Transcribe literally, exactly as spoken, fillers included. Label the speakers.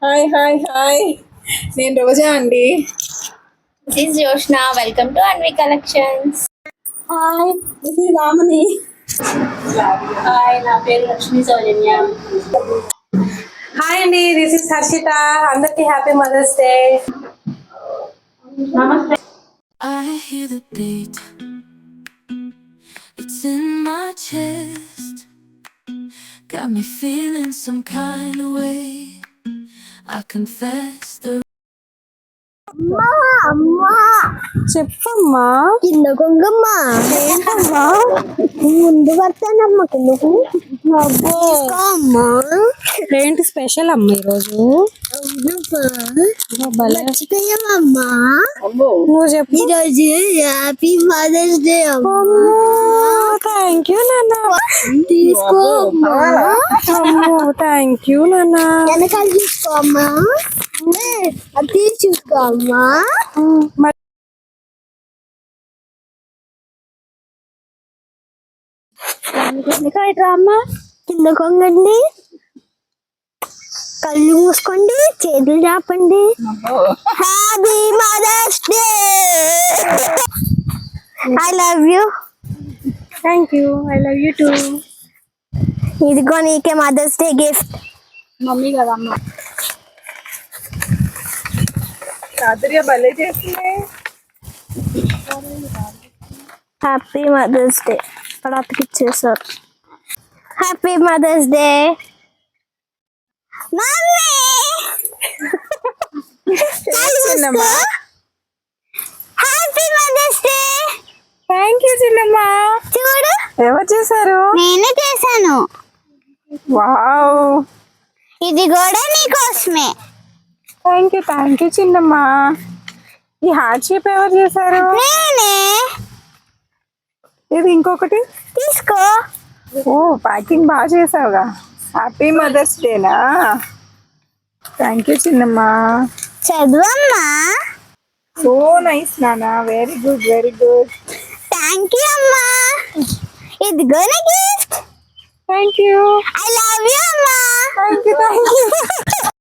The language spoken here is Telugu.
Speaker 1: హాయ్ హాయ్ హాయ్ నేను రోజా అండి.
Speaker 2: This is Yoshna. Welcome to Anvi Collections.
Speaker 1: Hi this is Ramani.
Speaker 2: Hi, నా పేరు లక్ష్మీ సౌజన్య.
Speaker 3: హాయ్ అండి, దిస్ ఇస్ హర్షిత. అందరికి happy mother's day.
Speaker 2: Namaste.
Speaker 4: I hear the beat, it's in my chest, got me feeling some kind of way. I confess the
Speaker 3: చెప్పమ్మా.
Speaker 5: కింద కొంగమ్మ
Speaker 3: ఏంటమ్మా?
Speaker 5: ముందు పడతానమ్మ కిందకు
Speaker 3: అబ్బో,
Speaker 5: అమ్మా
Speaker 3: ఏంటి స్పెషల్ అమ్మ ఈరోజు? భలే.
Speaker 5: మర్చిపోయామమ్మా
Speaker 3: నువ్వు చెప్పు.
Speaker 5: ఈరోజు హ్యాపీ మదర్స్ డే అమ్మా.
Speaker 3: థ్యాంక్ యూ నాన్న.
Speaker 5: తీసుకో అమ్మా.
Speaker 3: థ్యాంక్ యూ నాన్న.
Speaker 5: వెనకాల తీసుకో అమ్మా. అది తీసి చూసుకో అమ్మా.
Speaker 3: మరి
Speaker 5: అమ్మా కింద కొంగండి, కళ్ళు మూసుకోండి, చేతులు చాపండి. Happy mother's day. I love you.
Speaker 3: Thank you, I love you too.
Speaker 5: ఇదిగో నీకే మదర్స్ డే గిఫ్ట్.
Speaker 1: మమ్మీ కదమ్మా. చాతుర్య భలే చేసింది.
Speaker 5: Happy mother's day. ఇక్కడ అతికిచ్చేసారు. Happy mother's day mummy.
Speaker 1: చిన్నమ్మా.
Speaker 5: Happy mother's day.
Speaker 3: Thank you చిన్నమ్మా.
Speaker 5: చూడు,
Speaker 3: ఎవరు చేశారు?
Speaker 5: నేనే చేశాను.
Speaker 3: వావ్,
Speaker 5: ఇది కూడా నీకోసమే.
Speaker 3: థ్యాంక్ యూ థ్యాంక్ యూ చిన్నమ్మా. ఈ హార్ట్ షేప్ ఎవరు చేశారు?
Speaker 5: నేనే.
Speaker 3: ఇది ఇంకొకటి
Speaker 5: తీసుకో.
Speaker 3: ఓ, ప్యాకింగ్ బాగా చేసావుగా.
Speaker 1: హ్యాపీ మదర్స్ డేనా.
Speaker 3: థ్యాంక్ యూ చిన్నమ్మా.
Speaker 5: చదువమ్మా.
Speaker 1: సో నైస్ నానా, very good very good.
Speaker 5: Thank you అమ్మా. ఇదిగో నా gift.
Speaker 3: Thank you
Speaker 5: I love you అమ్మా.
Speaker 3: Thank you thank you.